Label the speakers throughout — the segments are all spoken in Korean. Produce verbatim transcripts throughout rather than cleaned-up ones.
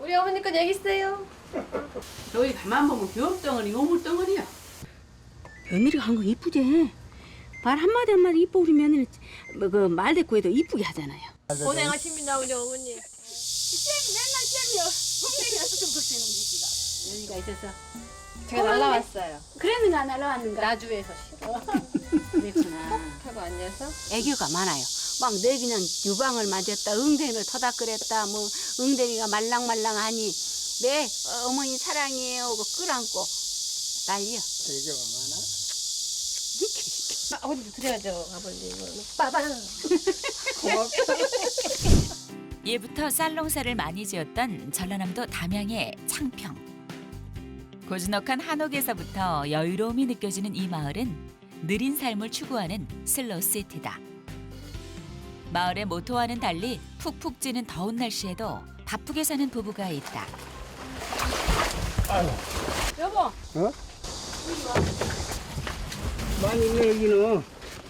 Speaker 1: 우리 어머니께 얘기 있어요.
Speaker 2: 저기 가만 보면 교육덩어리, 오물덩어리야.
Speaker 3: 며느리가 한 거 이쁘지? 말 한마디 한마디 이쁘고 우리 며느리 뭐 그 말대꾸에도 이쁘게 하잖아요.
Speaker 1: 고생하십니다 우리 어머니.
Speaker 3: 맨날 쌤이요. 분명히 와서 좀 보세요, 우리가.
Speaker 1: 여기가 있어서 제가 날라왔어요.
Speaker 3: 그랬는가 안 날라왔는가?
Speaker 1: 나주에서 싫어.
Speaker 3: 그랬구나.
Speaker 1: 하고 앉아서
Speaker 3: 애교가 많아요. 막 내 그냥 유방을 맞았다, 응대를 터닥거렸다, 뭐 응대리가 말랑말랑하니 네 어머니 사랑해요 하고 끌안고 난리야.
Speaker 4: 애교가 많아?
Speaker 1: 아버지도 드려야죠 아버지 이거는. 빠방.
Speaker 5: 예부터 쌀농사를 많이 지었던 전라남도 담양의 창평. 고즈넉한 한옥에서부터 여유로움이 느껴지는 이 마을은 느린 삶을 추구하는 슬로우 시티다. 마을의 모토와는 달리 푹푹 찌는 더운 날씨에도 바쁘게 사는 부부가 있다.
Speaker 3: 여보,
Speaker 4: 어? 많이 있네 여기는.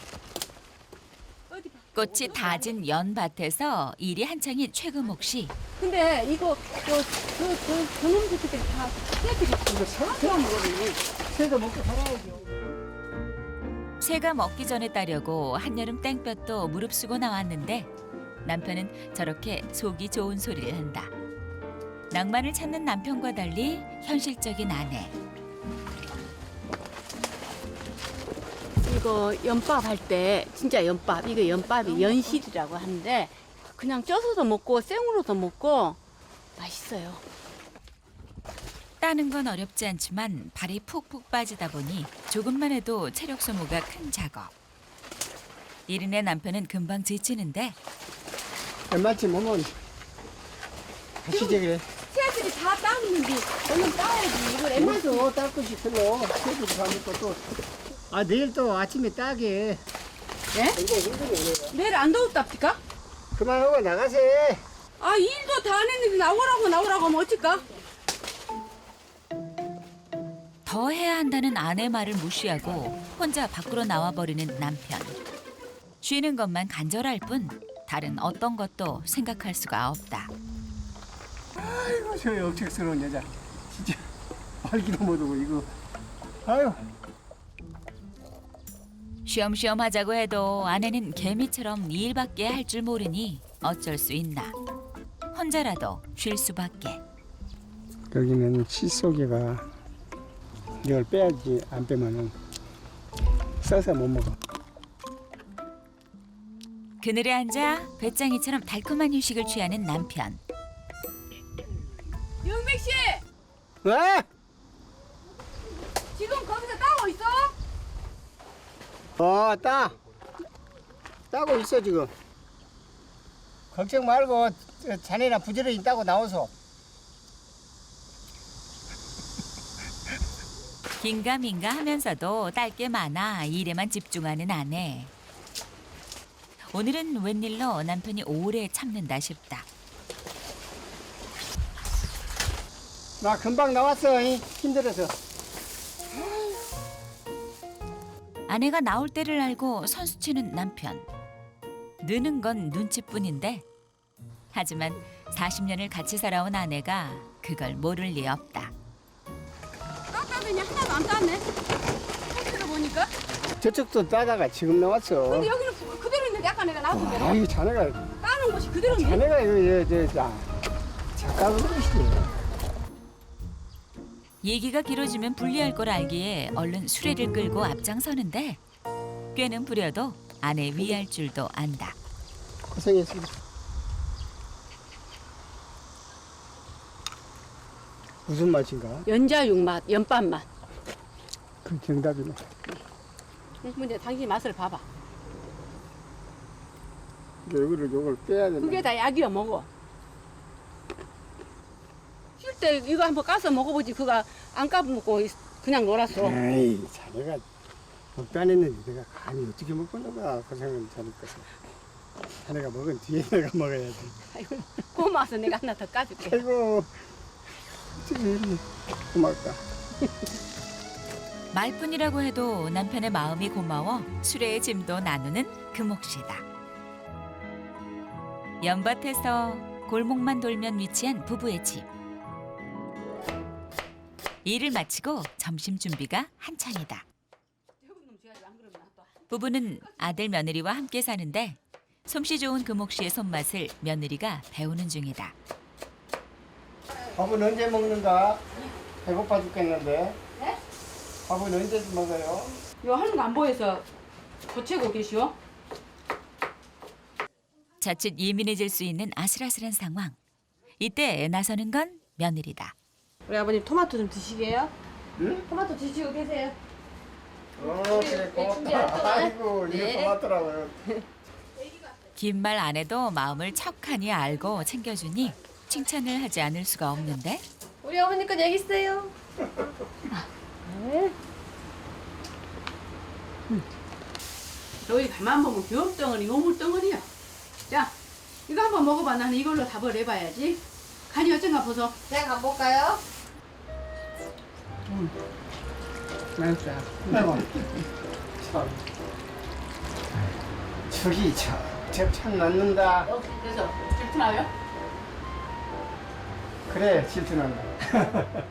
Speaker 5: 꽃이 다진 연밭에서 일이 한창인 최금옥 씨.
Speaker 3: 근데 이거 저저저 저놈 새끼들 다 새끼들이
Speaker 4: 이거 새가 먹어야지. 새도 먹고 살아야죠.
Speaker 5: 새가 먹기 전에 따려고 한여름 땡볕도 무릅쓰고 나왔는데 남편은 저렇게 속이 좋은 소리를 한다. 낭만을 찾는 남편과 달리 현실적인 아내.
Speaker 3: 이거 연밥 할 때 진짜 연밥 이거 연밥이 연실이라고 하는데 그냥 쪄서도 먹고 생으로도 먹고 맛있어요.
Speaker 5: 따는 건 어렵지 않지만 발이 푹푹 빠지다 보니 조금만 해도 체력 소모가 큰 작업. 이른의 남편은 금방 지치는데
Speaker 4: 마침 오면 하시지 그래.
Speaker 3: 새들이 다 따는데 얼른 따야지. 이걸 엠마
Speaker 4: 오늘도 딸 것이 별로. 새도 다 먹고 또. 아 내일 또 아침에 따게.
Speaker 3: 예?
Speaker 4: 이거 힘들게.
Speaker 3: 내일 안 더웠답니까?
Speaker 4: 그만하고 나가세.
Speaker 3: 아 일도 다 안 했는데 나오라고 나오라고 하면 어쩔까?
Speaker 5: 더 해야 한다는 아내 말을 무시하고 혼자 밖으로 나와버리는 남편. 쉬는 것만 간절할 뿐 다른 어떤 것도 생각할 수가 없다.
Speaker 4: 아이고 저 억척스러운 여자. 진짜 말기도 못하고 이거. 아유.
Speaker 5: 쉬엄쉬엄 하자고 해도 아내는 개미처럼 이 일밖에 할 줄 모르니 어쩔 수 있나. 혼자라도 쉴 수밖에.
Speaker 4: 여기는 칫솔개가 이걸 빼야지. 안 빼면은 써서 못 먹어.
Speaker 5: 그늘에 앉아 배짱이처럼 달콤한 휴식을 취하는 남편.
Speaker 3: 영백 씨
Speaker 4: 왜?
Speaker 3: 지금 거기서 따고 있어?
Speaker 4: 어, 따. 따고 있어 지금. 걱정 말고 자네나 부지런히 따고 나오소.
Speaker 5: 긴가민가 하면서도 딸 게 많아 일에만 집중하는 아내. 오늘은 웬일로 남편이 오래 참는다 싶다.
Speaker 4: 나 금방 나왔어. 이. 힘들어서.
Speaker 5: 아내가 나올 때를 알고 선수치는 남편. 느는 건 눈치뿐인데 하지만 사십 년을 같이 살아온 아내가 그걸 모를 리 없다.
Speaker 3: 땄다더니 하나도 안 땄네. 포트를 보니까.
Speaker 4: 저쪽도 따다가 지금 나왔어.
Speaker 3: 근데 여기는 그- 그대로 있는데 아까 내가 나왔던 대로
Speaker 4: 아유 자네가
Speaker 3: 따는 곳이 그대로인데.
Speaker 4: 자네가 이거 저, 저, 저, 작가가 그러시네.
Speaker 5: 얘기가 길어지면 불리할 걸 알기에 얼른 수레를 끌고 앞장서는데 꾀는 부려도 아내 위할 줄도 안다.
Speaker 4: 고생했습니다. 무슨 맛인가?
Speaker 3: 연자육 맛, 연밥 맛.
Speaker 4: 그 정답이네.
Speaker 3: 근데 당신 맛을 봐봐.
Speaker 4: 요거를 요걸 빼야 된다.
Speaker 3: 그게 다 약이야 먹어. 쉴 때 이거 한번 까서 먹어보지. 그거 안 까먹고 그냥 놀았어.
Speaker 4: 에이 자네가 먹도 안 했는데 내가 감히 어떻게 먹고 나가 고생은 자네 것을. 자네가 먹은 뒤에 내가 먹어야지.
Speaker 3: 아이고, 고마워서 내가 하나 더 까줄게.
Speaker 4: 아이고 어떻게 고맙다.
Speaker 5: 말뿐이라고 해도 남편의 마음이 고마워 수레의 짐도 나누는 금옥씨다. 연밭에서 골목만 돌면 위치한 부부의 집. 일을 마치고 점심 준비가 한창이다. 부부는 아들 며느리와 함께 사는데 솜씨 좋은 금옥 씨의 손맛을 며느리가 배우는 중이다.
Speaker 4: 밥은 언제 먹는가? 배고파 죽겠는데.
Speaker 2: 네?
Speaker 4: 밥은 언제 먹어요?
Speaker 2: 이거 하는 거 안 보여서 고치고 계시오?
Speaker 5: 자칫 예민해질 수 있는 아슬아슬한 상황. 이때 나서는 건 며느리다.
Speaker 1: 우리 아버님 토마토 좀 드시게요?
Speaker 4: 응?
Speaker 1: 토마토 드시고 계세요.
Speaker 4: 어, 그래,
Speaker 1: 준비할
Speaker 4: 고맙다.
Speaker 1: 동안.
Speaker 4: 아이고, 이거
Speaker 1: 네.
Speaker 4: 고맙더라고요.
Speaker 5: 긴 말 안 해도 마음을 척하니 알고 챙겨주니 칭찬을 하지 않을 수가 없는데
Speaker 1: 우리 어머니 건 여기 있어요.
Speaker 2: 너희 가만 보면 교업덩어리, 오물덩어리야. 자, 이거 한번 먹어봐. 나는 이걸로 답을 해봐야지. 간이 어쩐가 보소.
Speaker 1: 제가 가볼까요?
Speaker 2: 맛있어.
Speaker 4: 아이고, 참. 저기, 저, 저참 낳는다.
Speaker 2: 역시 그래서 질투나요?
Speaker 4: 그래, 질투난다.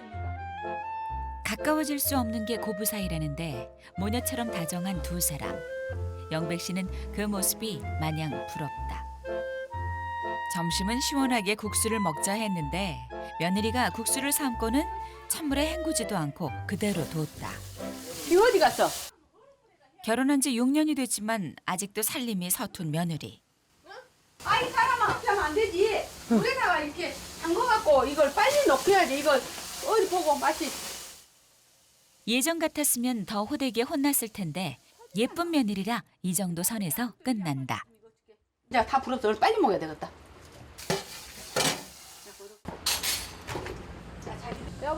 Speaker 5: 가까워질 수 없는 게 고부 사이라는데 모녀처럼 다정한 두 사람. 영백 씨는 그 모습이 마냥 부럽다. 점심은 시원하게 국수를 먹자 했는데 며느리가 국수를 삶고는 찬물에 헹구지도 않고 그대로 뒀다.
Speaker 2: 이 어디 갔어?
Speaker 5: 결혼한 지 육 년이 됐지만 아직도 살림이 서툰 며느리.
Speaker 2: 아이 사람아 그렇게 하면 안 되지. 물에다가 이렇게 담궈갖고 이걸 빨리 넣어야지. 이걸 어디 보고 맛이.
Speaker 5: 예전 같았으면 더 호되게 혼났을 텐데 예쁜 며느리라 이 정도 선에서 끝난다.
Speaker 2: 이제 다 불었어. 오늘 빨리 먹어야 되겠다.
Speaker 1: 여보.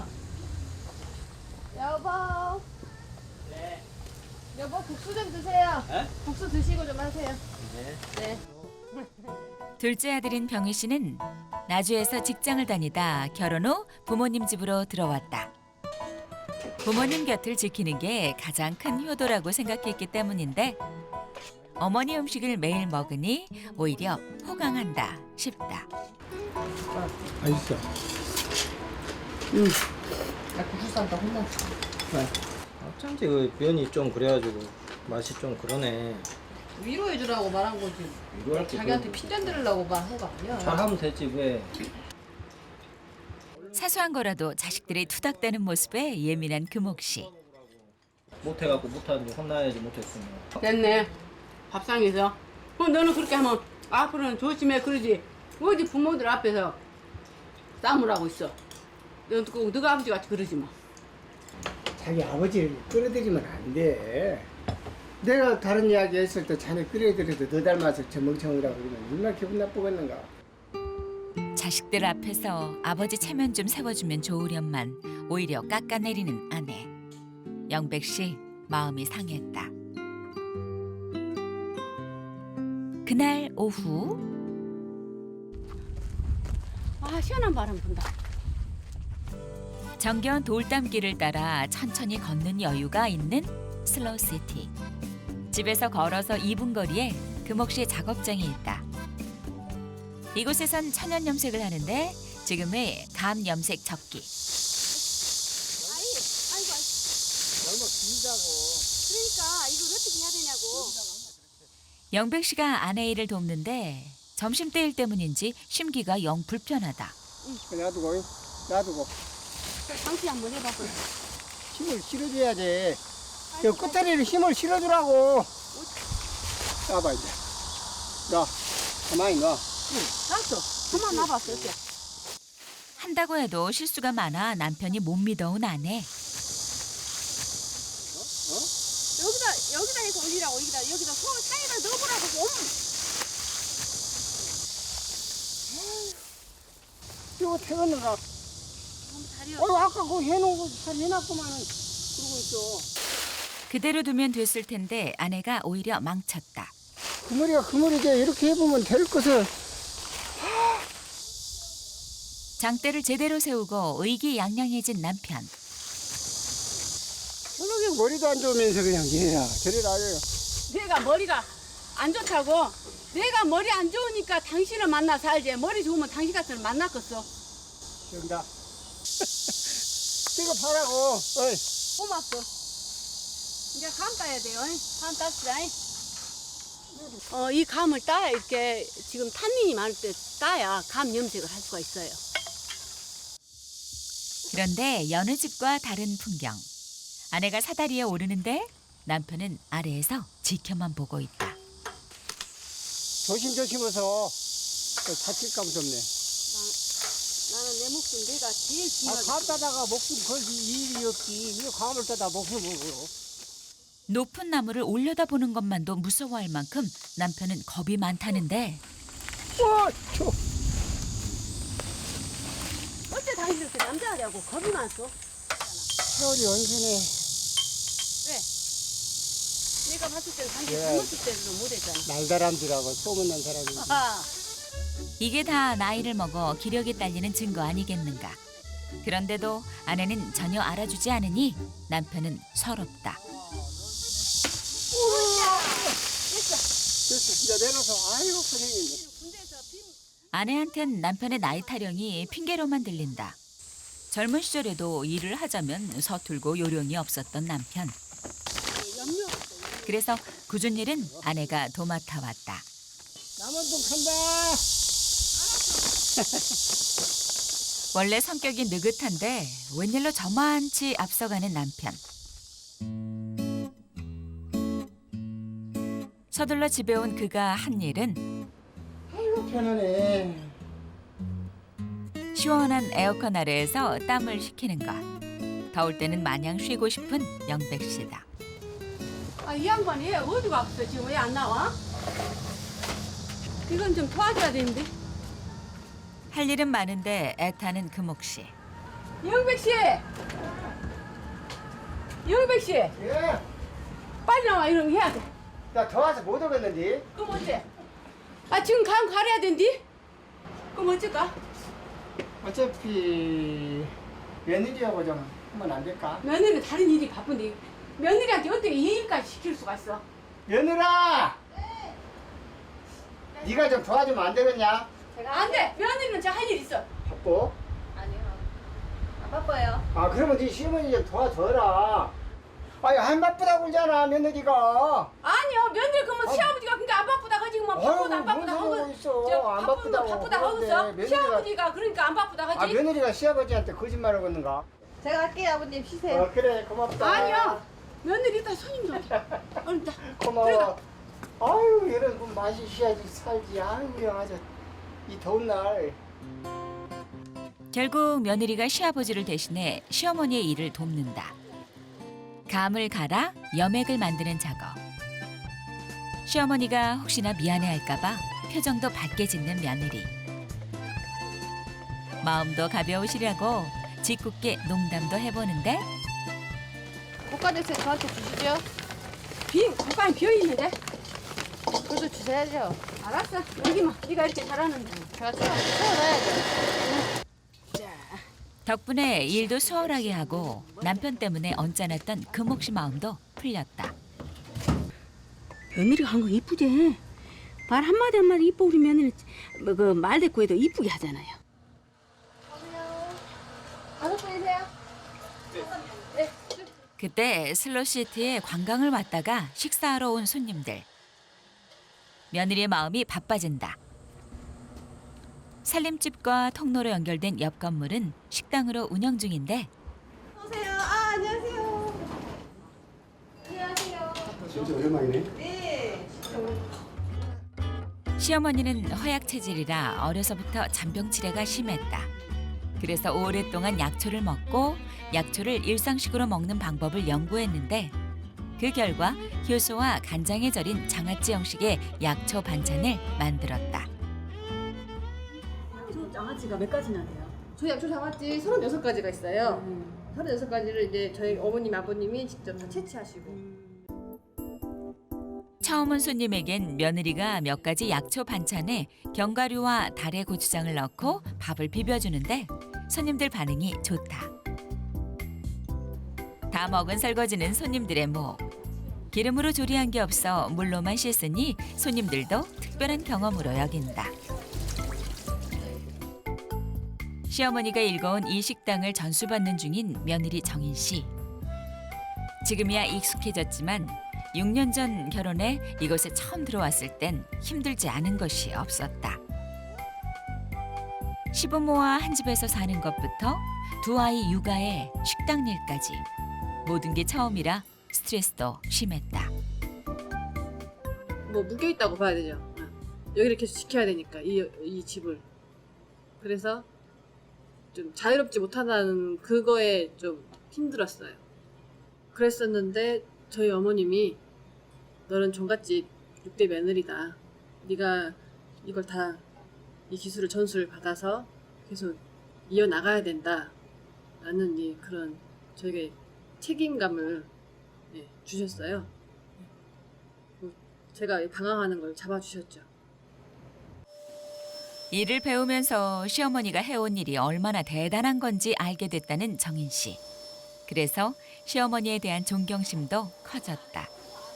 Speaker 1: 여보. 네. 여보 국수 좀 드세요.
Speaker 6: 에?
Speaker 1: 국수 드시고 좀 하세요.
Speaker 6: 네.
Speaker 1: 네.
Speaker 5: 둘째 아들인 병희 씨는 나주에서 직장을 다니다 결혼 후 부모님 집으로 들어왔다. 부모님 곁을 지키는 게 가장 큰 효도라고 생각했기 때문인데 어머니 음식을 매일 먹으니 오히려 호강한다 싶다.
Speaker 4: 맛있어.
Speaker 1: 나 국수 싼다 혼났어.
Speaker 6: 어쩐지 그 면이 좀 그래가지고 맛이 좀 그러네.
Speaker 1: 위로해 주라고 말한 거지.
Speaker 6: 위로할 게
Speaker 1: 자기한테
Speaker 6: 그-
Speaker 1: 핀잔 들으려고 말한 거 아니야.
Speaker 6: 잘하면 되지 왜.
Speaker 5: 사소한 거라도 자식들이 투닥대는 모습에 예민한 금옥 씨.
Speaker 6: 못해갖고 못하는지 혼나야지 못했으면.
Speaker 2: 됐네. 밥상에서. 그럼 너는 그렇게 하면 앞으로는 조심해 그러지. 어디 부모들 앞에서 싸움을 하고 있어. 너, 꼭 너가 아버지 같이 그러지 마.
Speaker 4: 자기 아버지를 끌어들이면 안 돼. 내가 다른 이야기 했을 때 자네 끌어들여도 너 닮아서 저 멍청이라고 그러면 얼마나 기분 나쁘겠는가.
Speaker 5: 자식들 앞에서 아버지 체면 좀 세워주면 좋으련만 오히려 깎아내리는 아내. 영백 씨 마음이 상했다. 그날 오후
Speaker 2: 아 시원한 바람 분다.
Speaker 5: 정겨운 돌담길을 따라 천천히 걷는 여유가 있는 슬로우시티. 집에서 걸어서 이 분 거리에 금옥 씨의 작업장이 있다. 이곳에선 천연 염색을 하는데 지금의 감 염색 적기.
Speaker 3: 그러니까 이걸 어떻게 해야 되냐고.
Speaker 5: 영백 씨가 아내 일을 돕는데 점심때일 때문인지 심기가 영 불편하다.
Speaker 4: 놔두고, 놔두고.
Speaker 3: 당신 한번 해봐봐.
Speaker 4: 힘을 실어줘야지. 저 끝다리를 힘을 실어주라고. 놔봐, 이제. 놔. 가만히 놔.
Speaker 3: 놨어. 그만 놔봤어. 이렇게.
Speaker 5: 한다고 해도 실수가 많아 남편이 못 믿어온 아내.
Speaker 3: 여기다 여기다 해서 올리라고 여기다 여기다 손 사이다 넣어보라고 옴.
Speaker 4: 이거 태웠는가?
Speaker 3: 다리
Speaker 4: 어, 아까 그거 해놓은 거 잘 해놨구만은. 그러고 있어.
Speaker 5: 그대로 두면 됐을 텐데 아내가 오히려 망쳤다.
Speaker 4: 그 머리가 그 머리지. 이렇게 해보면 될 것을.
Speaker 5: 장대를 제대로 세우고 의기양양해진 남편.
Speaker 4: 저렇게 머리도 안 좋으면서 그냥 얘야. 저리라.
Speaker 2: 내가 머리가 안 좋다고. 내가 머리 안 좋으니까 당신을 만나 살지. 머리 좋으면 당신 같은 걸 만났겠어.
Speaker 4: 여기다. 뜨겁하라고. 어이.
Speaker 3: 고맙소. 이제 감 따야 돼요. 감 땄시다. 어, 이 감을 따야 이렇게 지금 탄닌이 많을 때 따야 감 염색을 할 수가 있어요.
Speaker 5: 그런데 여느 집과 다른 풍경. 아내가 사다리에 오르는데 남편은 아래에서 지켜만 보고 있다.
Speaker 4: 조심조심해서 다칠까 무섭네.
Speaker 3: 나는 내 목숨 내가 제일
Speaker 4: 아,
Speaker 3: 중요하게.
Speaker 4: 감 따다가 목숨 걸기 일이 없지. 이거 감을 따다 목숨을 걸어.
Speaker 5: 높은 나무를 올려다보는 것만도 무서워할 만큼 남편은 겁이 많다는데
Speaker 4: 와, 저.
Speaker 3: 어째 당신 이렇게 남자하냐고 겁이 많소?
Speaker 4: 세월이 언제네.
Speaker 3: 왜? 내가 봤을 때는 당신
Speaker 4: 예.
Speaker 3: 젊었을 때도 못했잖아.
Speaker 4: 날다람쥐라고 소문난 사람이.
Speaker 3: 아,
Speaker 5: 이게 다 나이를 먹어 기력이 딸리는 증거 아니겠는가. 그런데도 아내는 전혀 알아주지 않으니 남편은 서럽다.
Speaker 4: 됐어, 이제 내려서. 아이고, 고생했네.
Speaker 5: 아내한텐 남편의 나이 타령이 핑계로만 들린다. 젊은 시절에도 일을 하자면 서툴고 요령이 없었던 남편. 그래서 굳은 일은 아내가 도맡아 왔다.
Speaker 4: 남원동 간다.
Speaker 5: 원래 성격이 느긋한데 웬일로 저만치 앞서가는 남편. 서둘러 집에 온 그가 한 일은
Speaker 4: 아이고, 편하네.
Speaker 5: 시원한 에어컨 아래에서 땀을 식히는 것. 더울 때는 마냥 쉬고 싶은 영백 씨다.
Speaker 3: 아, 이 양반이 어디 갔어? 지금 왜 안 나와? 이건 좀 도와줘야 되는데.
Speaker 5: 할 일은 많은데 애타는 금옥 씨.
Speaker 3: 영백 씨! 영백 씨!
Speaker 4: 예.
Speaker 3: 빨리 나와, 이런 거 해야 돼.
Speaker 4: 나 더워서 못 오겠는데.
Speaker 3: 그럼 어째? 아, 지금 감 가려야 된디? 그럼 어쩔까?
Speaker 4: 어차피 며느리하고 좀 하면 안 될까?
Speaker 3: 며느리는 다른 일이 바쁜데 며느리한테 어떻게 이 일까지 시킬 수가 있어?
Speaker 4: 며느라! 네가 좀 도와주면 안 되겠냐?
Speaker 3: 안 돼! 며느리는 저 할 일 있어.
Speaker 4: 바빠?
Speaker 1: 아니요. 안 바빠요.
Speaker 4: 아, 그러면 네 시어머니 좀 도와줘라. 아니, 안 바쁘다고 그러잖아, 며느리가.
Speaker 3: 아니요, 며느리 그러면 시아버지가 그러니까 안 바쁘다 하지 뭐 바쁘다 안 바쁘다
Speaker 4: 뭔 소리
Speaker 3: 하고
Speaker 4: 있어.
Speaker 3: 저
Speaker 4: 안
Speaker 3: 바쁘면
Speaker 4: 바쁘다고
Speaker 3: 바쁘다 하고
Speaker 4: 그러는데
Speaker 3: 있어.
Speaker 4: 며느리가-
Speaker 3: 시아버지가 그러니까 안 바쁘다
Speaker 4: 아,
Speaker 3: 하지.
Speaker 4: 며느리가 시아버지한테 거짓말을 하는가?
Speaker 1: 제가 할게요, 아버님. 쉬세요.
Speaker 4: 어, 그래, 고맙다.
Speaker 3: 아니요, 며느리 이따 손님도 오자. 얼른 다.
Speaker 4: 고마워. 아유, 이런 거 맛이 쉬야지 살지. 아유, 아주 이 더운 날.
Speaker 5: 결국 며느리가 시아버지를 대신해 시어머니의 일을 돕는다. 감을 갈아 염액을 만드는 작업. 시어머니가 혹시나 미안해할까 봐 표정도 밝게 짓는 며느리. 마음도 가벼우시려고 짓궂게 농담도 해보는데
Speaker 1: 고가대세 저한테 주시죠.
Speaker 3: 빈 공간이 비어 있는데.
Speaker 1: 그래도 주셔야죠.
Speaker 3: 알았어. 여기만 네가 이렇게 잘하는데.
Speaker 1: 제가 채워, 채워놔야죠.
Speaker 5: 덕분에 일도 수월하게 하고 남편 때문에 언짢았던 금옥 씨 마음도 풀렸다.
Speaker 3: 며느리가 한 거 이쁘지? 말 한마디 한마디 이뻐 우리 며느리 그 말대꾸에도 이쁘게 하잖아요.
Speaker 1: 다섯 분이세요?
Speaker 5: 그때 슬로시티에 관광을 왔다가 식사하러 온 손님들. 며느리의 마음이 바빠진다. 살림집과 통로로 연결된 옆 건물은 식당으로 운영 중인데
Speaker 1: 오세요. 아, 안녕하세요. 안녕하세요.
Speaker 4: 진짜 오랜만이네.
Speaker 1: 네.
Speaker 5: 시어머니는 허약 체질이라 어려서부터 잔병 치레가 심했다. 그래서 오랫동안 약초를 먹고 약초를 일상식으로 먹는 방법을 연구했는데 그 결과 효소와 간장에 절인 장아찌 형식의 약초 반찬을 만들었다.
Speaker 3: 장아찌가 몇 가지나 돼요?
Speaker 1: 저희 약초 장아찌 서른여섯 가지가 있어요.
Speaker 3: 음.
Speaker 1: 서른여섯 가지를 이제 저희 어머님, 아버님이 직접 다 채취하시고.
Speaker 5: 처음 온 손님에겐 며느리가 몇 가지 약초 반찬에 견과류와 달의 고추장을 넣고 밥을 비벼주는데 손님들 반응이 좋다. 다 먹은 설거지는 손님들의 목. 기름으로 조리한 게 없어 물로만 씻으니 손님들도 특별한 경험으로 여긴다. 시어머니가 일궈온 이 식당을 전수받는 중인 며느리 정인 씨. 지금이야 익숙해졌지만 육 년 전 결혼해 이곳에 처음 들어왔을 땐 힘들지 않은 것이 없었다. 시부모와 한 집에서 사는 것부터 두 아이 육아에 식당 일까지 모든 게 처음이라 스트레스도 심했다.
Speaker 1: 뭐 묶여 있다고 봐야 되죠. 여기를 계속 지켜야 되니까 이, 이 집을. 그래서 좀 자유롭지 못하다는 그거에 좀 힘들었어요. 그랬었는데 저희 어머님이 너는 종갓집 육 대 며느리다. 네가 이걸 다 이 기술을 전수를 받아서 계속 이어나가야 된다. 라는 이 그런 저에게 책임감을 네, 주셨어요. 제가 방황하는 걸 잡아주셨죠.
Speaker 5: 일을 배우면서 시어머니가 해온 일이 얼마나 대단한 건지 알게 됐다는 정인 씨. 그래서 시어머니에 대한 존경심도 커졌다.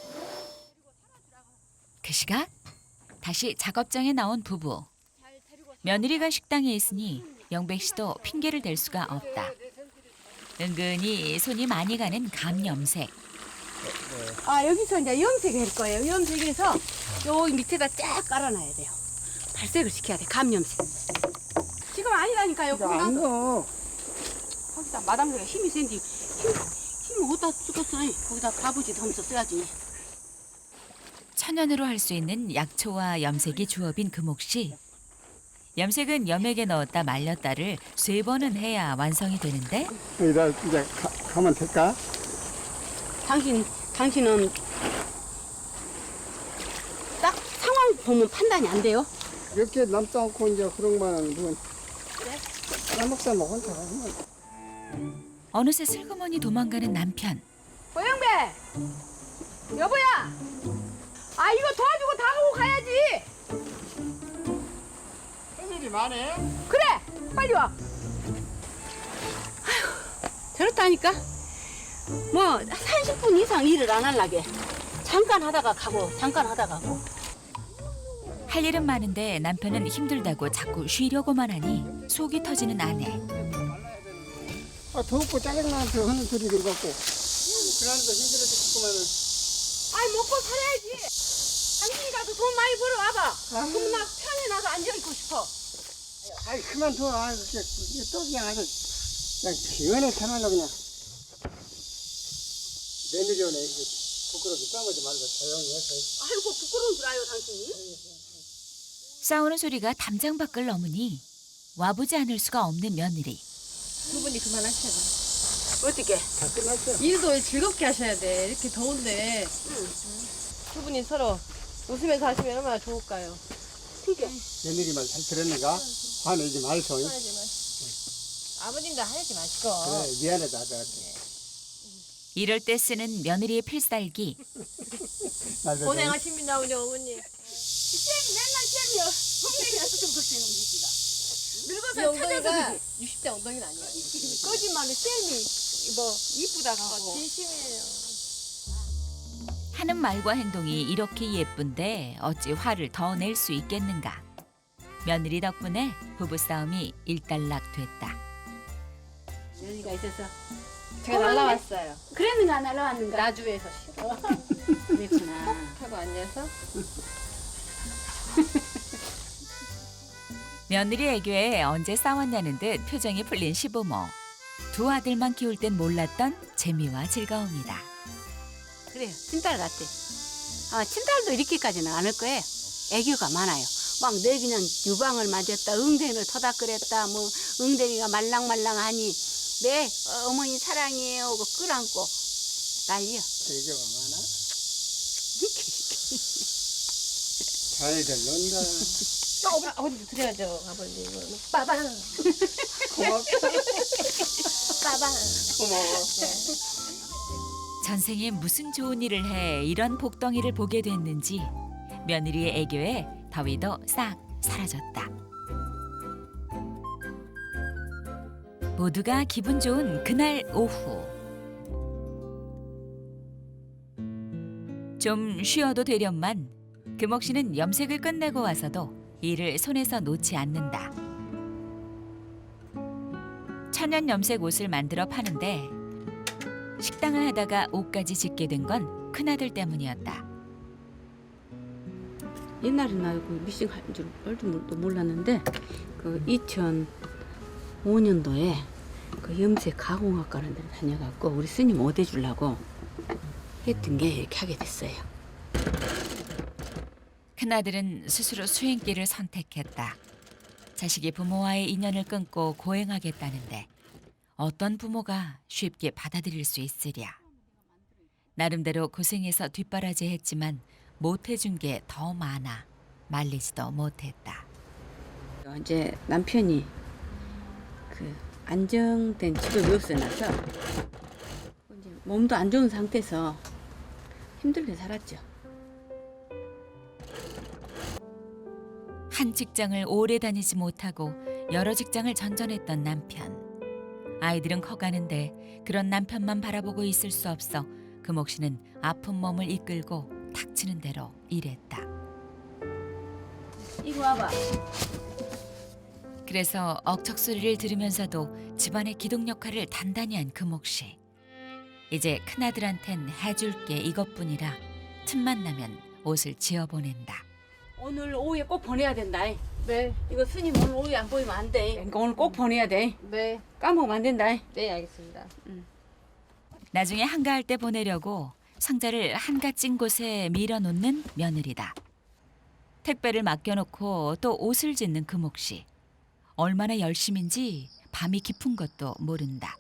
Speaker 5: 그 시각 다시 작업장에 나온 부부. 며느리가 식당에 있으니 영백 씨도 핑계를 댈 수가 없다. 은근히 손이 많이 가는 감염색.
Speaker 3: 아 여기서 이제 염색할 거예요. 염색해서 여기 밑에다 쫙 깔아놔야 돼요. 발색을 시켜야 돼. 감염색. 지금 아니라니까요. 거기다
Speaker 4: 안 넣어.
Speaker 3: 거기다 마담새가 힘이 센디 힘 힘을 어디다 쓰겠어? 거기다 가부지도 하면서 써야지.
Speaker 5: 천연으로 할 수 있는 약초와 염색이 주업인 금옥 씨. 염색은 염액에 넣었다 말렸다를 세 번은 해야 완성이 되는데
Speaker 4: 여기다 이제 가, 가면 될까?
Speaker 3: 당신 당신은 딱 상황 보면 판단이 안 돼요.
Speaker 4: 이렇게 남도 않고 이제 그런 거는 누군 까먹다 먹은 사람은
Speaker 5: 어느새 슬그머니 도망가는 남편.
Speaker 3: 고영배 여보야. 아 이거 도와주고 다 하고 가야지.
Speaker 4: 할 일이 많네.
Speaker 3: 그래 빨리 와. 아휴 저렇다니까. 뭐 삼십 분 이상 일을 안 하려게. 잠깐 하다가 가고 잠깐 하다가 가고.
Speaker 5: 할 일은 많은데 남편은 힘들다고 자꾸 쉬려고만 하니 속이 터지는 아내.
Speaker 4: 아, 더웠고 짜증나서 하는 소리 들어갖고. 그러니까 힘들어 죽겠구만은.
Speaker 3: 아이 먹고 살아야지. 당신이라도 돈 많이 벌어와봐. 그럼 나 편히 나서 앉아있고 싶어.
Speaker 4: 아이, 그만둬. 아, 그게, 그게 또 그냥 아주, 그냥 기원에 참아라, 그냥. 며느리 오네. 이게 부끄럽게 싸우지 말고 조용히 해서.
Speaker 3: 아이고 부끄러운 줄 알아요 당신이?
Speaker 5: 싸우는 소리가 담장 밖을 넘으니 와보지 않을 수가 없는 며느리.
Speaker 1: 두 분이 그만하셔야
Speaker 3: 어떻게?
Speaker 4: 다 끝났어.
Speaker 1: 돼. 일도 즐겁게 하셔야 돼. 이렇게 더운데 두 분이 서로 웃으면서 하시면 얼마나 좋을까요?
Speaker 3: 그게
Speaker 4: 며느리 말 잘 들었는가? 화내지 말소.
Speaker 1: 하지 마시고. 아버님도 하지 마시고.
Speaker 4: 그래, 미안하다, 아들한테.
Speaker 5: 이럴 때 쓰는 며느리의 필살기.
Speaker 4: 나도
Speaker 1: 고생하십니다 우리 어머니.
Speaker 3: 쌤이 맨날 쌤이요. 엉덩이 나서 좀 보세요 우리가.
Speaker 1: 이
Speaker 3: 늙어서
Speaker 1: 엉덩이가
Speaker 3: 찾아서
Speaker 1: 육십 대 엉덩이는 아니에요.
Speaker 3: 거짓말을 쌤이 뭐 이쁘다 하고.
Speaker 1: 진심이에요.
Speaker 5: 하는 말과 행동이 이렇게 예쁜데 어찌 화를 더 낼 수 있겠는가. 며느리 덕분에 부부싸움이 일단락됐다.
Speaker 3: 며느리가 있어서
Speaker 1: 제가 날라왔어요.
Speaker 3: 그랬는가 안 날라왔는가?
Speaker 1: 나주에서 싫어.
Speaker 3: 그랬구나.
Speaker 1: 하고 앉아서
Speaker 5: 며느리 애교에 언제 싸웠냐는 듯 표정이 풀린 시부모. 두 아들만 키울 땐 몰랐던 재미와 즐거움이다.
Speaker 3: 그래요. 친딸 같아. 아, 친딸도 이렇게까지는 않을 거예요. 애교가 많아요. 막 내 그냥 유방을 맞았다, 응대를 터닥거렸다, 뭐 응대리가 말랑말랑하니 내 어, 어머니 사랑해요 하고 끌안고 난리야.
Speaker 4: 애교가 많아? 잘들 논다.
Speaker 1: 또 아버지, 아버지도 드려야죠 아버지 이거는. 빠방.
Speaker 4: 고맙다.
Speaker 1: 빠방.
Speaker 4: 고마워.
Speaker 5: 전생에 무슨 좋은 일을 해 이런 복덩이를 보게 됐는지 며느리의 애교에 더위도 싹 사라졌다. 모두가 기분 좋은 그날 오후. 좀 쉬어도 되련만 금옥 씨는 염색을 끝내고 와서도 일을 손에서 놓지 않는다. 천연 염색 옷을 만들어 파는데 식당을 하다가 옷까지 짓게 된 건 큰아들 때문이었다.
Speaker 3: 옛날에 나그 미싱 할 줄 얼도 몰랐는데 그 이천오 년도에 그 염색 가공학과라는 데를 다녀갖고 우리 스님 어대 주려고 했던 게 이렇게 하게 됐어요.
Speaker 5: 큰아들은 스스로 수행길을 선택했다. 자식이 부모와의 인연을 끊고 고행하겠다는데 어떤 부모가 쉽게 받아들일 수 있으랴. 나름대로 고생해서 뒷바라지했지만 못해준 게 더 많아 말리지도 못했다.
Speaker 3: 이제 남편이 그 안정된 집을 없애놔서 이제 몸도 안 좋은 상태에서 힘들게 살았죠.
Speaker 5: 한 직장을 오래 다니지 못하고 여러 직장을 전전했던 남편. 아이들은 커가는데 그런 남편만 바라보고 있을 수 없어 금옥 씨는 아픈 몸을 이끌고 닥치는 대로 일했다.
Speaker 3: 이거 와봐.
Speaker 5: 그래서 억척 소리를 들으면서도 집안의 기둥 역할을 단단히 한 금옥 씨. 이제 큰아들한텐 해줄 게 이것뿐이라 틈만 나면 옷을 지어보낸다.
Speaker 3: 오늘 오후에 꼭 보내야 된다.
Speaker 1: 네,
Speaker 3: 이거 스님 오늘 오후에 안 보이면 안 돼. 그러니까 오늘 꼭 보내야 돼.
Speaker 1: 네,
Speaker 3: 까먹으면 안 된다.
Speaker 1: 네, 알겠습니다.
Speaker 5: 나중에 한가할 때 보내려고 상자를 한가 찐 곳에 밀어놓는 며느리다. 택배를 맡겨놓고 또 옷을 짓는 금옥 씨. 얼마나 열심인지 밤이 깊은 것도 모른다.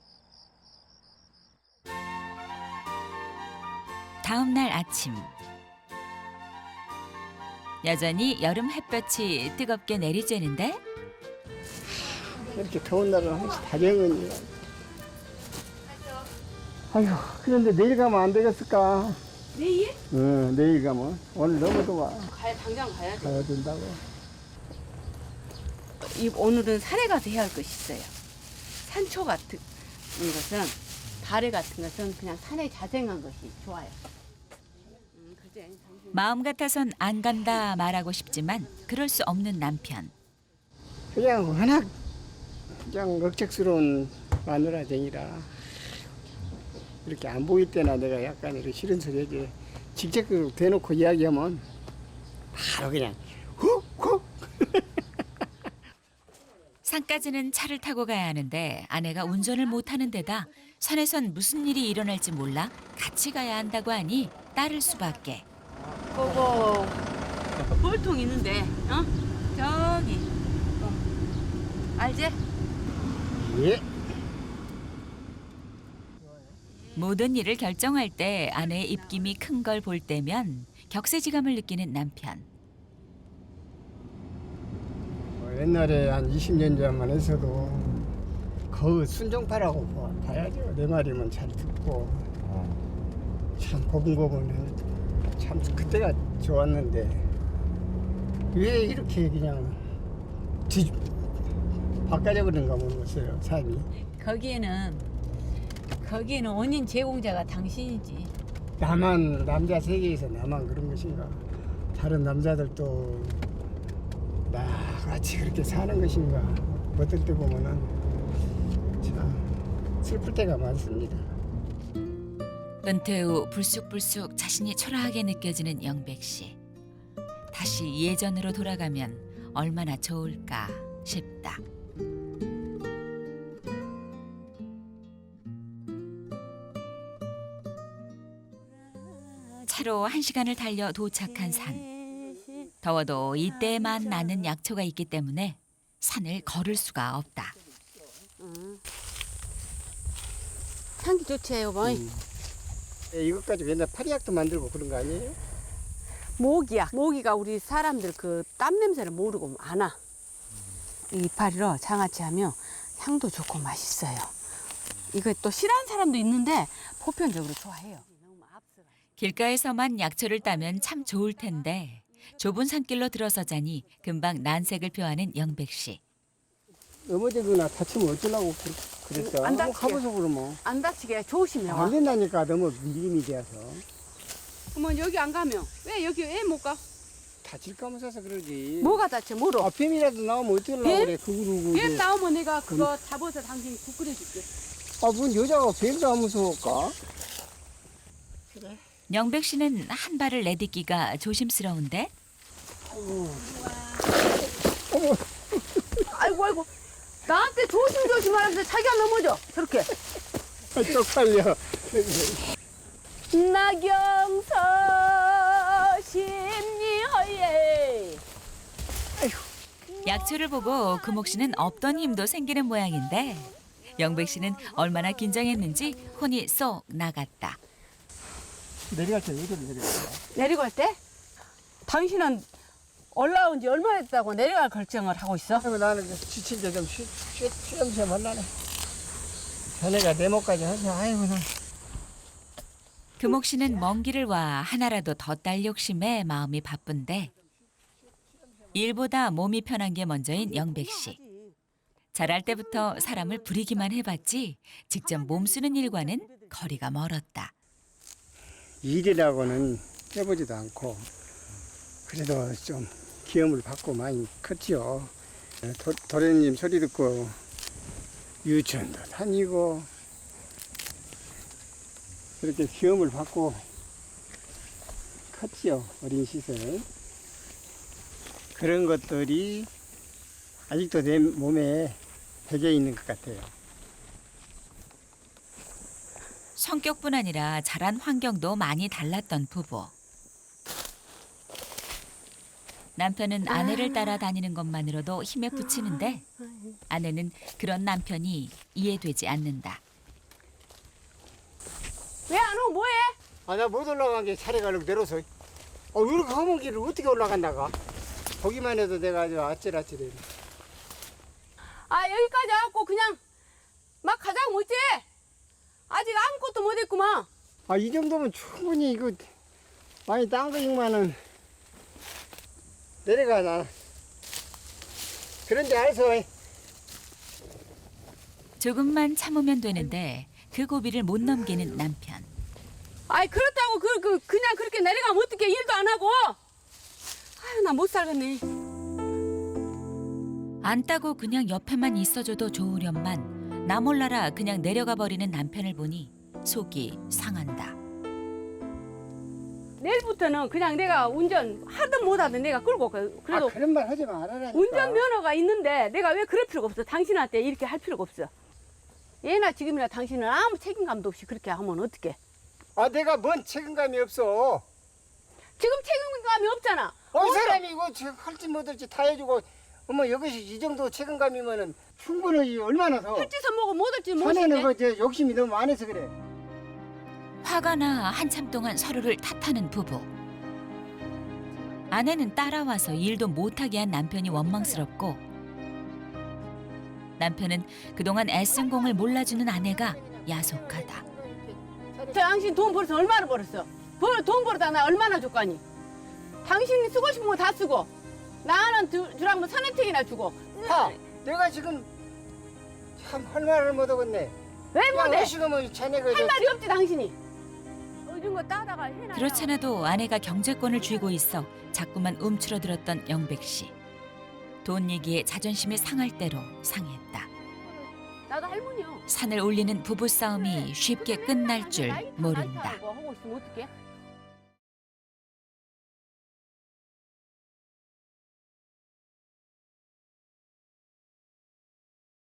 Speaker 5: 다음 날 아침. 여전히 여름 햇볕이 뜨겁게 내리쬐는데
Speaker 4: 이렇게 더운 날은 항상 다정은이야. 아휴, 그런데 내일 가면 안 되겠을까?
Speaker 3: 내일?
Speaker 4: 응, 내일 가면. 오늘 너무 더워.
Speaker 3: 가야 당장 가야 돼.
Speaker 4: 가야 된다고.
Speaker 3: 이 오늘은 산에 가서 해야 할 것이 있어요. 산초 같은 것은 발에 같은 것은 그냥 산에 자생한 것이 좋아요. 음, 그지? 당신.
Speaker 5: 마음 같아선 안 간다 말하고 싶지만 그럴 수 없는 남편.
Speaker 4: 그냥 워낙 그냥 억척스러운 마누라쟁이라 이렇게 안 보일 때나 내가 약간 이렇게 싫은 소리 하지. 직접 대놓고 이야기하면 바로 그냥 훅훅.
Speaker 5: 산까지는 차를 타고 가야 하는데 아내가 운전을 못하는 데다 산에선 무슨 일이 일어날지 몰라 같이 가야 한다고 하니 따를 수밖에.
Speaker 3: 그거 볼통 있는데, 어? 저기, 어. 알지?
Speaker 4: 예.
Speaker 5: 모든 일을 결정할 때 아내의 입김이 큰 걸 볼 때면 격세지감을 느끼는 남편.
Speaker 4: 뭐 옛날에 한 이십 년 전만 해서도 거의 순종파라고 봐- 봐야죠. 내 말이면 잘 듣고 참 고분고분해. 참 그때가 좋았는데 왜 이렇게 그냥 뒤 바꿔져 버린가 모르겠어요, 삶이.
Speaker 3: 거기에는, 거기에는 원인 제공자가 당신이지.
Speaker 4: 나만 남자 세계에서 나만 그런 것인가? 다른 남자들도 나같이 그렇게 사는 것인가? 어떨 때 보면은 참 슬플 때가 많습니다.
Speaker 5: 은퇴 후 불쑥불쑥 자신이 초라하게 느껴지는 영백 씨. 다시 예전으로 돌아가면 얼마나 좋을까 싶다. 차로 한 시간을 달려 도착한 산. 더워도 이때만 나는 약초가 있기 때문에 산을 걸을 수가 없다.
Speaker 3: 향기 좋지, 여보.
Speaker 4: 예, 이것 가지고 옛날 파리약도 만들고 그런 거 아니에요?
Speaker 3: 모기야. 모기가 우리 사람들 그 땀 냄새를 모르고 안 와. 이 이파리로 장아찌 하면 향도 좋고 맛있어요. 이거 또 싫어하는 사람도 있는데 보편적으로 좋아해요.
Speaker 5: 길가에서만 약초를 따면 참 좋을 텐데 좁은 산길로 들어서자니 금방 난색을 표하는 영백 씨.
Speaker 4: 넘어지거나 다치면 어쩌려고 그- 그랬어?
Speaker 3: 안
Speaker 4: 한번
Speaker 3: 다치게.
Speaker 4: 가보소 그러면.
Speaker 3: 안 다치게 조심해.
Speaker 4: 안 된다니까 너무 밀림이 돼서.
Speaker 3: 그러면 여기 안 가면 왜 여기 왜 못 가?
Speaker 4: 다칠까 무서워서 그러지.
Speaker 3: 뭐가 다쳐 뭐로?
Speaker 4: 아, 뱀이라도 나오면 어쩌려고
Speaker 3: 뱀?
Speaker 4: 그래. 그거로.
Speaker 3: 뱀 나오면 내가 그거 잡아서 당신 국 끓여줄게.
Speaker 4: 아, 뭔 여자가 뱀도 안 무서울까?
Speaker 5: 영백 씨는 한 발을 내딛기가 조심스러운데
Speaker 3: 아이고 아이고 나한테 조심조심 하는데 자기가 넘어져 저렇게.
Speaker 4: 아, 쪽팔려.
Speaker 3: 나경서 심리허예.
Speaker 5: 약초를 보고 금옥 씨는 없던 힘도 생기는 모양인데 영백 씨는 얼마나 긴장했는지 혼이 쏙 나갔다.
Speaker 4: 내려갈 때 어디로 내려가?
Speaker 3: 내리고 할 때? 당신은 올라온 지 얼마 됐다고 내려갈 결정을 하고 있어?
Speaker 4: 아이고, 나는 이제 지친데 좀 쉬, 쉬, 쉬엄쉬엄 하려네. 자네가 내 목까지 하자. 아이고, 나.
Speaker 5: 금옥 씨는 먼 길을 와 하나라도 더 딸 욕심에 마음이 바쁜데 일보다 몸이 편한 게 먼저인 영백 씨. 자랄 때부터 사람을 부리기만 해봤지 직접 몸 쓰는 일과는 거리가 멀었다.
Speaker 4: 일이라고는 해보지도 않고 그래도 좀 기염을 받고 많이 컸지요. 도, 도련님 소리 듣고 유치원도 다니고 그렇게 시험을 받고 컸지요. 어린 시절. 그런 것들이 아직도 내 몸에 배겨 있는 것 같아요.
Speaker 5: 성격뿐 아니라 자란 환경도 많이 달랐던 부부. 남편은 아내를 따라다니는 것만으로도 힘에 부치는데 아내는 그런 남편이 이해되지 않는다.
Speaker 3: 왜 안 오고 뭐해?
Speaker 4: 아, 나 못 올라간 게 차례가 이렇게 내려서. 어, 이렇게 험한 길을 어떻게 올라간다가? 보기만 해도 내가 아주 아찔아찔해.
Speaker 3: 아 여기까지 와갖고 그냥 막 가자고 못지? 아직 아무것도 못했구만.
Speaker 4: 아, 이 정도면 충분히 이거 많이 딴 거지만은 내려가, 나. 그런데 알아서.
Speaker 5: 조금만 참으면 되는데 그 고비를 못 넘기는 남편.
Speaker 3: 아이 그렇다고 그, 그 그냥 그렇게 내려가면 어떡해. 일도 안 하고. 아유 나 못 살겠네.
Speaker 5: 안 따고 그냥 옆에만 있어줘도 좋으련만 나 몰라라 그냥 내려가 버리는 남편을 보니 속이 상한다.
Speaker 3: 내일부터는 그냥 내가 운전 하든 못하든 내가 끌고 가. 그래도
Speaker 4: 아, 그런 말 하지 말아라니까.
Speaker 3: 운전면허가 있는데 내가 왜 그럴 필요가 없어. 당신한테 이렇게 할 필요가 없어. 예나 지금이나 당신은 아무 책임감도 없이 그렇게 하면 어떡해.
Speaker 4: 아, 내가 뭔 책임감이 없어.
Speaker 3: 지금 책임감이 없잖아.
Speaker 4: 어, 이 사람이 이거 할지 못할지 다 해주고, 어머, 여기서 이 정도 책임감이면은 충분히 얼마나 더.
Speaker 3: 할지서 뭐고 못할지
Speaker 4: 자네는
Speaker 3: 못인데.
Speaker 4: 그, 저, 욕심이 너무 많아서 그래.
Speaker 5: 화가 나 한참 동안 서로를 탓하는 부부. 아내는 따라와서 일도 못하게 한 남편이 원망스럽고 남편은 그동안 애쓴 공을 몰라주는 아내가 야속하다.
Speaker 3: 당신 돈 벌어서 얼마나 벌었어? 벌, 돈 벌어다 나 얼마나 줬거니? 당신이 쓰고 싶은 거 다 쓰고 나는 주, 주라면 천 혜택이나 주고.
Speaker 4: 하, 내가 지금 참 할 말을 못하겠네.
Speaker 3: 왜 못해?
Speaker 4: 어시가면 자네가
Speaker 3: 할 말이 없지 당신이. 요즘 거 따다가 해놔.
Speaker 5: 그렇잖아도 아내가 경제권을 쥐고 있어 자꾸만 움츠러들었던 영백 씨. 돈 얘기에 자존심이 상할 대로 상했다.
Speaker 3: 나도 할머니요.
Speaker 5: 산을 올리는 부부싸움이 쉽게 끝날 줄
Speaker 3: 나이 다
Speaker 5: 모른다.
Speaker 3: 나이 하고 있으면 어떡해?